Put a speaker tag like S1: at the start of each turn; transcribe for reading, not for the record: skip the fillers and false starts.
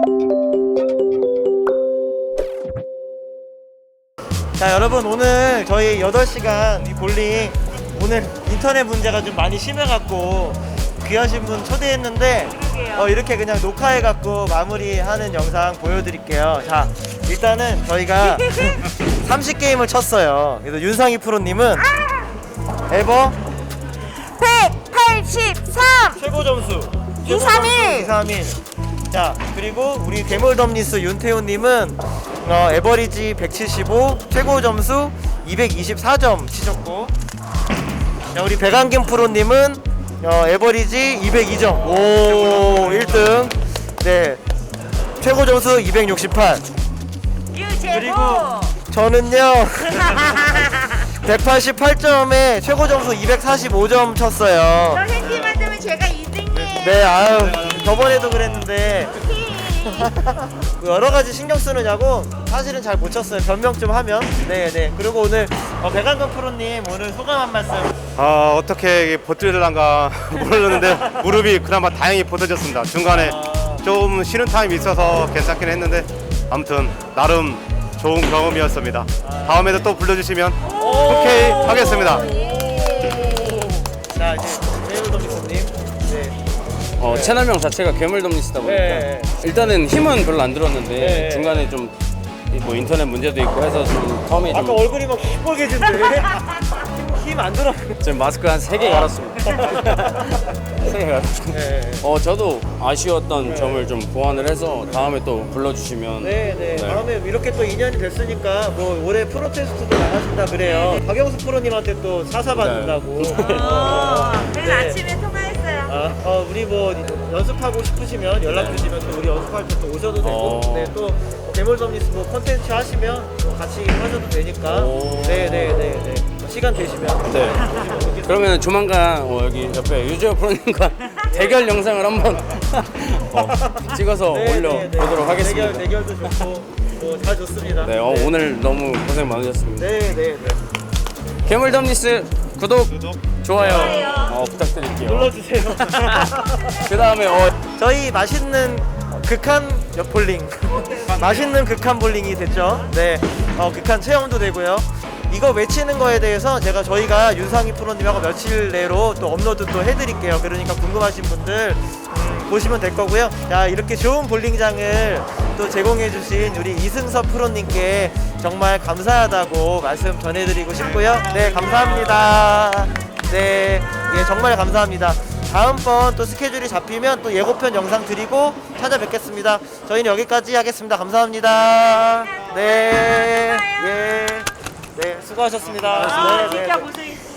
S1: 자, 여러분, 오늘 저희 8시간 이 볼링, 오늘 인터넷 문제가 좀 많이 심해갖고 귀하신 분 초대했는데 이렇게 그냥 녹화해갖고 마무리하는 영상 보여드릴게요. 자, 일단은 저희가 30게임을 쳤어요. 그래서 윤상희 프로님은 에버
S2: 183
S1: 최고 점수
S2: 231.
S1: 231. 자, 그리고 우리 괴물덤니스 윤태훈님은 에버리지 175, 최고 점수 224점 치셨고, 자, 우리 백안김 프로님은 에버리지 202점. 오, 1등. 네, 최고 점수 268.
S2: 유재고.
S1: 그리고 저는요 188점에 최고 점수 245점 쳤어요.
S2: 선생님만 되면 제가 2등이에요.
S1: 네, 아유, 저번에도 그랬는데 여러 가지 신경 쓰느냐고 사실은 잘 못 쳤어요. 변명 좀 하면. 네네. 그리고 오늘 백안경 프로님 오늘 소감 한 말씀.
S3: 어떻게 버틸란가 모르는데 무릎이 그나마 다행히 버텨졌습니다. 중간에 좀 쉬는 타임이 있어서 괜찮긴 했는데 아무튼 나름 좋은 경험이었습니다. 다음에도 또 불러주시면 오케이 하겠습니다.
S1: 자, 이제 괴물덤니스님. 네.
S4: 채널명 자체가 괴물덤니스다 보니까
S1: 네.
S4: 일단은 힘은 별로 안 들었는데
S1: 네.
S4: 중간에 좀 뭐 인터넷 문제도 있고 해서 좀 처음에
S1: 아까
S4: 좀
S1: 얼굴이 막 시뻘개진데 힘 안 들어.
S4: 지금 마스크 한 3개 갈았습니다. 3개 갈았습니다.
S1: 네.
S4: 저도 아쉬웠던 점을 좀 보완을 해서 다음에 또 불러주시면
S1: 네네. 다음에 이렇게 또 인연이 됐으니까 뭐 올해 프로 테스트도 나가신다 그래요. 박영수 프로님한테 또 사사 받는다고.
S2: 그래서
S1: 네.
S2: 아침에 통화했어요.
S1: 우리 뭐 연습하고 싶으시면 연락 주시면 또 우리 연습할 때 또 오셔도 되고, 네, 또 괴물덤니스 뭐 콘텐츠 하시면 또 같이 하셔도 되니까. 네네네. 시간 되시면.
S4: 네. 그러면 조만간 여기 옆에 유재호 프로님과 대결 영상을 한번 찍어서 올려보도록 하겠습니다.
S1: 대결도 좋고 다 좋습니다.
S4: 네, 오늘 너무 고생 많으셨습니다.
S1: 네네네.
S4: 괴물덤니스 구독, 좋아요 부탁드릴게요.
S1: 눌러주세요.
S4: 그 다음에
S1: 저희 맛있는 극한 볼링 맛있는 극한 볼링이 됐죠. 네, 극한 체험도 되고요. 이거 외치는 거에 대해서 저희가 윤상희 프로님하고 며칠 내로 또 업로드 또 해드릴게요. 그러니까 궁금하신 분들 보시면 될 거고요. 자, 이렇게 좋은 볼링장을 또 제공해주신 우리 이승섭 프로님께 정말 감사하다고 말씀 전해드리고 싶고요. 네, 감사합니다. 네, 예, 정말 감사합니다. 다음번 또 스케줄이 잡히면 또 예고편 영상 드리고 찾아뵙겠습니다. 저희는 여기까지 하겠습니다. 감사합니다. 네, 예, 네, 수고하셨습니다.
S2: 진짜
S1: 네.
S2: 고생했어요.